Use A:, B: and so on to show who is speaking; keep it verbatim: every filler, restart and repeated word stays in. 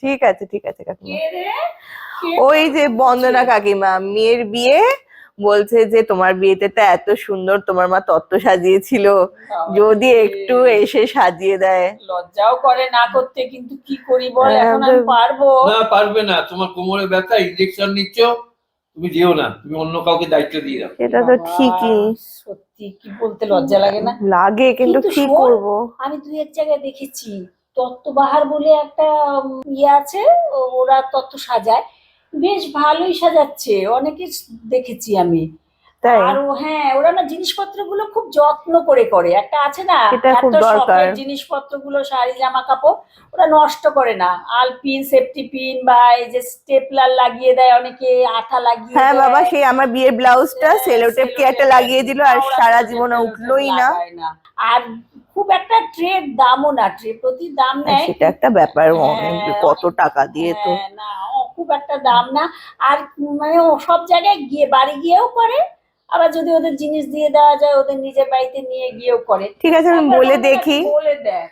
A: ঠিক আছে ঠিক আছে কাকিমা। ওই যে বন্দনা কাকিমা, মেয়ের বিয়ে, বলছে যে তোমার বিয়েতে তো এত সুন্দর তোমার মা তত্ত্ব সাজিয়েছিল, যদি একটু এসে সাজিয়ে দেয়।
B: লজ্জাও করে না করতে, কিন্তু কি করি বল, এখন আমি পারবো
C: না? পারবে না, তোমার কোমরে ব্যথা, ইনজেকশন নিচ্ছ, তুমি যেও না, তুমি অন্য কাউকে দায়িত্ব দিয়ে দাও।
A: সেটা তো ঠিকই,
B: সত্যি কি বলতে লজ্জা লাগে না?
A: লাগে, কিন্তু কি করব।
B: আমি দুই এক জায়গায় দেখেছি তত্ত্ববাহার বলে একটা ইয়ে আছে, ওরা তত্ত্ব সাজায়, বেশ ভালোই সাজাচ্ছে, অনেকে দেখেছি আমি। আর হ্যাঁ, ওরা না জিনিসপত্র গুলো খুব যত্ন করে করে, একটা আছে না এত শখের জিনিসপত্র গুলো, শাড়ি জামা কাপড়, ওরা নষ্ট করে না। আলপিন, সেফটি পিন বা এই যে স্টেপলার লাগিয়ে দেয় অনেকে, আঠা লাগিয়ে।
A: হ্যাঁ বাবা, সেই আমার বিয়ের ব্লাউজটা সেলোটেপ কি একটা লাগিয়ে দিল, আর সারা জীবনে উঠলোই না।
B: আর খুব একটা ট্রের দামও না, ট্রে প্রতি দাম নেয়,
A: সেটা একটা ব্যাপার, কত টাকা দিয়ে তো
B: না, খুব একটা দাম না। আর মানে ও সব জায়গায় গিয়ে বাড়ি গিয়েও করে, আবার যদি ওদের জিনিস দিয়ে দেওয়া যায় ওদের নিজের বাড়িতে নিয়ে গিয়েও করে।
A: ঠিক আছে, আমি বলে দেখি।
B: বলে দেয়।